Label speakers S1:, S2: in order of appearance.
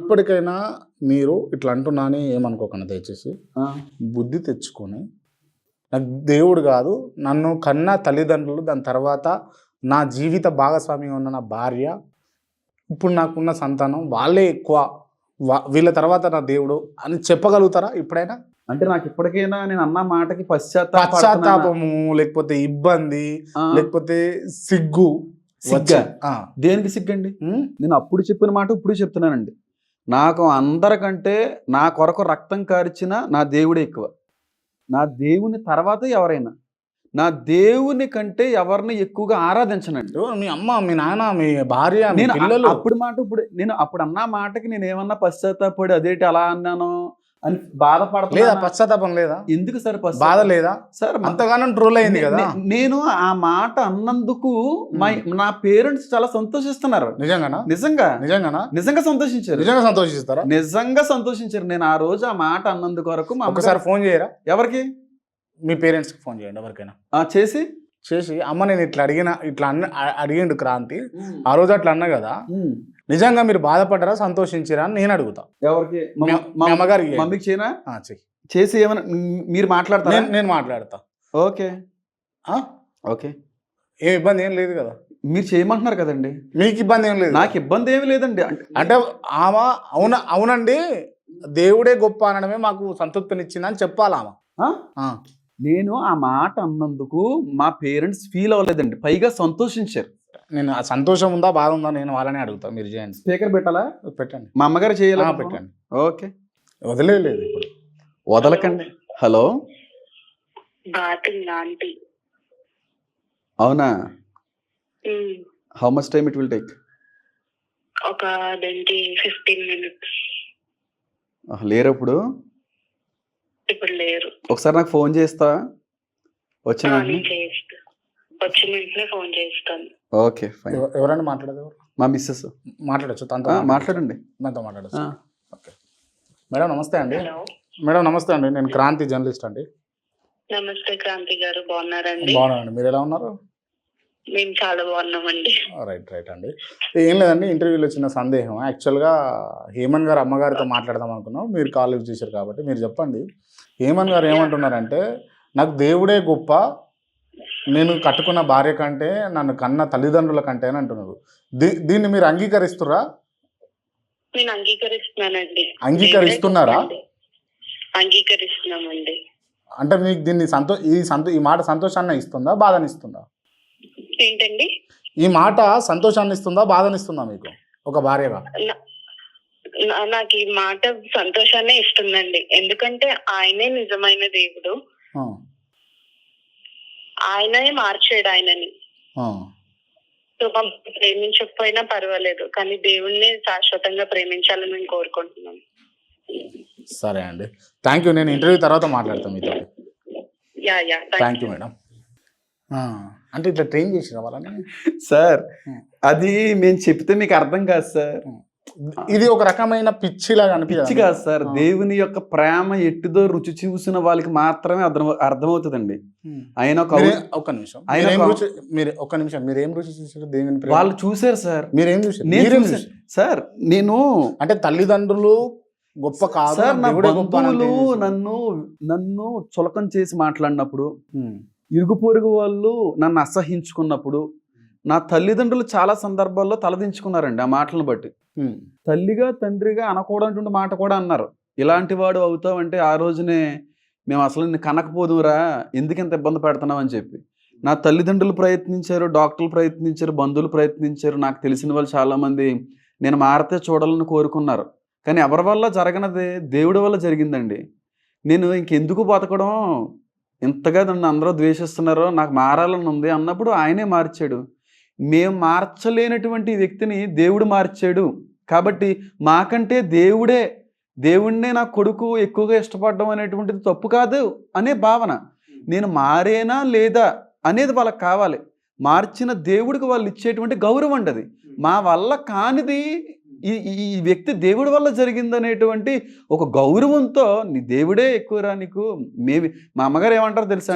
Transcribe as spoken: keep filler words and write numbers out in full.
S1: ఇప్పటికైనా మీరు ఇట్లా అంటున్నాని ఏమనుకోకండి దయచేసి. బుద్ధి తెచ్చుకొని నాకు దేవుడు కాదు, నన్ను కన్న తల్లిదండ్రులు, దాని తర్వాత నా జీవిత భాగస్వామి ఉన్న నా భార్య, ఇప్పుడు నాకున్న సంతానం వాళ్ళే ఎక్కువ, వీళ్ళ తర్వాత నా దేవుడు అని చెప్పగలుగుతారా ఇప్పుడైనా?
S2: అంటే నాకు ఇప్పటికైనా నేను అన్న మాటకి పశ్చాత్తాప
S1: పశ్చాత్తాపము, లేకపోతే ఇబ్బంది, లేకపోతే సిగ్గు.
S2: సిగ్గా? దేనికి సిగ్గండి? నేను అప్పుడు చెప్పిన మాట ఇప్పుడు చెప్తున్నానండి. నాకు అందరికంటే నా కొరకు రక్తం కార్చిన నా దేవుడే ఎక్కువ. నా దేవుని తర్వాత ఎవరైనా, నా దేవుని కంటే ఎవరిని ఎక్కువగా ఆరాధించనండి.
S1: మీ అమ్మ, మీ నాన్న, మీ భార్య,
S2: నేను
S1: పిల్లలు.
S2: అప్పుడు మాట ఇప్పుడు నేను అప్పుడు అన్న మాటకి నేను ఏమన్నా పశ్చాత్తాపడి అదేంటి అలా అన్నాను అని బాధపడతా
S1: లేదా? పశ్చాత్తాపం లేదా?
S2: ఎందుకు సార్
S1: బాధ లేదా
S2: సార్?
S1: అంతగానం ట్రోల్ అయింది కదా.
S2: నేను ఆ మాట అన్నందుకు నా పేరెంట్స్ చాలా సంతోషిస్తున్నారు.
S1: నిజంగానా?
S2: నిజంగా
S1: నిజంగానా?
S2: నిజంగా సంతోషించారు.
S1: నిజంగా సంతోషిస్తారా?
S2: నిజంగా సంతోషించారు. నేను ఆ రోజు ఆ మాట అన్నందుకు వరకు
S1: ఒకసారి ఫోన్ చేయరా?
S2: ఎవరికి?
S1: మీ పేరెంట్స్కి ఫోన్ చేయండి ఎవరికైనా.
S2: చేసి
S1: చేసి అమ్మ నేను ఇట్లా అడిగిన, ఇట్లా అన్న అడిగిండు క్రాంతి, ఆ రోజు అట్లా అన్నా కదా, నిజంగా మీరు బాధపడ్డారా, సంతోషించారా అని నేను అడుగుతా.
S2: ఎవరికి?
S1: మా అమ్మగారికి.
S2: మమ్మీకి చేయనా? చేసి ఏమైనా మీరు మాట్లాడతారా?
S1: నేను మాట్లాడతా.
S2: ఓకే ఓకే,
S1: ఏం ఇబ్బంది ఏం లేదు కదా.
S2: మీరు చేయమంటున్నారు కదండి.
S1: మీకు ఇబ్బంది ఏం లేదు?
S2: నాకు ఇబ్బంది ఏమి లేదండి.
S1: అంటే ఆమె అవునా అవునండి దేవుడే గొప్ప అనడమే మాకు సంతృప్తినిచ్చింది అని చెప్పాలి ఆమె.
S2: నేను ఆ మాట అన్నందుకు మా పేరెంట్స్ ఫీల్ అవ్వలేదండి, పైగా సంతోషించారు.
S1: నేను ఆ సంతోషం ఉందా, బాధ ఉందా, నేను వాళ్ళనే అడుగుతా. మీరు చేయండి.
S2: స్పీకర్ పెట్టాలా?
S1: పెట్టండి.
S2: మా అమ్మగారు చేయాలా?
S1: పెట్టండి.
S2: ఓకే,
S1: వదిలేదు ఇప్పుడు,
S2: వదలకండి. హలో, అవునా? How much time it will take?
S3: ఒక ట్వంటీ ఫిఫ్టీన్ మినిట్స్.
S2: లేరు ఇప్పుడు?
S3: ఇప్పుడు లేరు.
S2: ఒకసారి నాకు ఫోన్ చేస్తా వచ్చిన
S3: వచ్చిన వెంటనే ఫోన్ చేస్తాను.
S2: Okay fine.
S1: ఎవరైనా మాట్లాడదు?
S2: మా మిస్సెస్
S1: మాట్లాడచ్చు, తనతో
S2: మాట్లాడండి.
S1: నాతో మాట్లాడచ్చు. ఓకే మేడం, నమస్తే అండి. మేడం నమస్తే అండి, నేను క్రాంతి జర్నలిస్ట్ అండి.
S3: నమస్తే క్రాంతి గారు, బాగున్నారండి?
S1: బాగున్నానండి, మీరు ఎలా ఉన్నారు?
S3: మేము చాలా బాగున్నామండి.
S1: రైట్ రైట్ అండి. ఏం లేదండి, ఇంటర్వ్యూలో చిన్న సందేహం. యాక్చువల్గా హేమన్ గారు అమ్మగారితో మాట్లాడదాం అనుకున్నాం, మీరు కాల్ లిఫ్ట్ చేశారు కాబట్టి మీరు చెప్పండి. హేమన్ గారు ఏమంటున్నారంటే, నాకు దేవుడే గొప్ప, నేను కట్టుకున్న భార్య కంటే, నన్ను కన్న తల్లిదండ్రుల కంటే అని అంటున్నారు. దీ దీన్ని మీరు అంగీకరిస్తురా?
S3: నేను అంగీకరిస్తున్నానండి.
S1: అంగీకరిస్తున్నారా?
S3: అంగీకరిస్తున్నామండి.
S1: అంటే మీకు దీన్ని సంతో ఈ సంతో ఈ మాట సంతోషాన్ని ఇస్తుందా, బాధని ఇస్తుందా?
S3: ఏంటండి?
S1: ఈ మాట సంతోషాన్ని ఇస్తుందా, బాధని ఇస్తుందా మీకు ఒక భార్యగా?
S3: నాకు ఈ మాట సంతోషాన్ని ఇస్తుందండి. ఎందుకంటే ఆయనే నిజమైన దేవుడు, ఆయనే మార్చాడు ఆయనని. సో ప్రేమించకపోయినా పర్వాలేదు, కానీ దేవుణ్ణి శాశ్వతంగా ప్రేమించాలని నేను కోరుకుంటున్నాను.
S1: సరే అండి, థ్యాంక్ యూ. నేను ఇంటర్వ్యూ తర్వాత మాట్లాడతాను మీతో.
S3: Yeah yeah
S1: thank you madam. అంటే ఇట్లా ట్రైన్ చేసి రావాలని
S2: సార్, అది మేము చెప్తే మీకు అర్థం కాదు సార్.
S1: ఇది ఒక రకమైన పిచ్చిలాగా
S2: పిచ్చి కాదు సార్. దేవుని యొక్క ప్రేమ ఎట్టిదో రుచి చూసిన వాళ్ళకి మాత్రమే అర్థం అర్థమవుతుందండి. ఆయన
S1: ఒక నిమిషం మీరు ఒక నిమిషం మీరు ఏం రుచి చూసారు? దేవుని
S2: వాళ్ళు చూసారు సార్.
S1: మీరేం చూసారు
S2: సార్? నేను
S1: అంటే తల్లిదండ్రులు గొప్ప కాదు
S2: సార్, నా బంధువులు నన్ను నన్ను చులకం చేసి మాట్లాడినప్పుడు, ఇరుగు పొరుగు వాళ్ళు నన్ను అసహించుకున్నప్పుడు, నా తల్లిదండ్రులు చాలా సందర్భాల్లో తలదించుకున్నారండి ఆ మాటలను బట్టి. తల్లిగా తండ్రిగా అనకూడనటువంటి మాట కూడా అన్నారు. ఇలాంటి వాడు అవుతావంటే ఆ రోజునే మేము అసలు నిన్ను కనకపోదురా, ఎందుకు ఇంత ఇబ్బంది పెడుతున్నావు అని చెప్పి నా తల్లిదండ్రులు ప్రయత్నించారు, డాక్టర్లు ప్రయత్నించారు, బంధువులు ప్రయత్నించారు, నాకు తెలిసిన వాళ్ళు చాలామంది నేను మారితే చూడాలని కోరుకున్నారు. కానీ ఎవరి వల్ల జరగనది దేవుడి వల్ల జరిగిందండి. నేను ఇంకెందుకు బతకడం, ఇంతగా నన్ను అందరూ ద్వేషిస్తున్నారో, నాకు మారాలని ఉంది అన్నప్పుడు ఆయనే మార్చాడు. మేము మార్చలేనటువంటి వ్యక్తిని దేవుడు మార్చాడు. కాబట్టి మాకంటే దేవుడే దేవుడినే నా కొడుకు ఎక్కువగా ఇష్టపడడం అనేటువంటిది తప్పు కాదు అనే భావన. నేను మారేనా లేదా అనేది వాళ్ళకి కావాలి. మార్చిన దేవుడికి వాళ్ళు ఇచ్చేటువంటి గౌరవం అండి. అది మా వల్ల కానిది ఈ ఈ వ్యక్తి దేవుడి వల్ల జరిగిందనేటువంటి ఒక గౌరవంతో నీ దేవుడే ఎక్కువరా నీకు. మేబీ మా అమ్మగారు ఏమంటారో తెలుసా?